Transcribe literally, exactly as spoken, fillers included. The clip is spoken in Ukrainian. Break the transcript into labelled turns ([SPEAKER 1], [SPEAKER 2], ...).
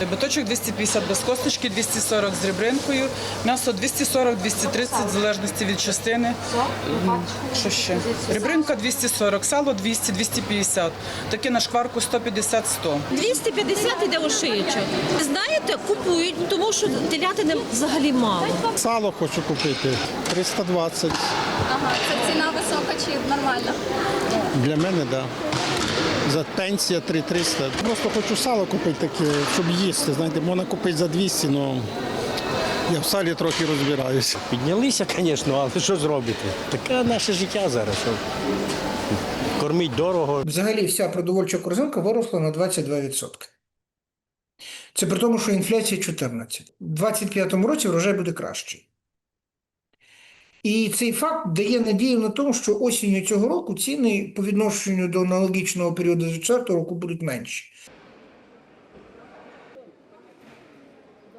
[SPEAKER 1] Биточок двісті п'ятдесят без косточки, двісті сорок з ребринкою, м'ясо двісті сорок - двісті тридцять, в залежності від частини. Що ще? Ребринка двісті сорок, сало двісті - двісті п'ятдесят. Таке на шкварку сто п'ятдесят - сто.
[SPEAKER 2] двісті п'ятдесят іде ошиючок. Знаєте, купують, тому що телятини взагалі мало.
[SPEAKER 3] Сало хочу купити триста двадцять.
[SPEAKER 4] Ага, це ціна висока чи нормальна?
[SPEAKER 3] Для мене, так. Да. За пенсія три триста. Просто хочу сало купити таке, щоб їсти. Знаєте, можна купити за двісті, але я в салі трохи розбираюся.
[SPEAKER 5] Піднялися, звісно, але що зробити? Таке наше життя зараз. Що кормить дорого.
[SPEAKER 6] Взагалі вся продовольча корзинка виросла на двадцять два відсотки. Це при тому, що інфляція чотирнадцять відсотків. У двадцять п'ятому році врожай буде кращий. І цей факт дає надію на те, що осінню цього року ціни по відношенню до аналогічного періоду двадцять четвертого року будуть менші.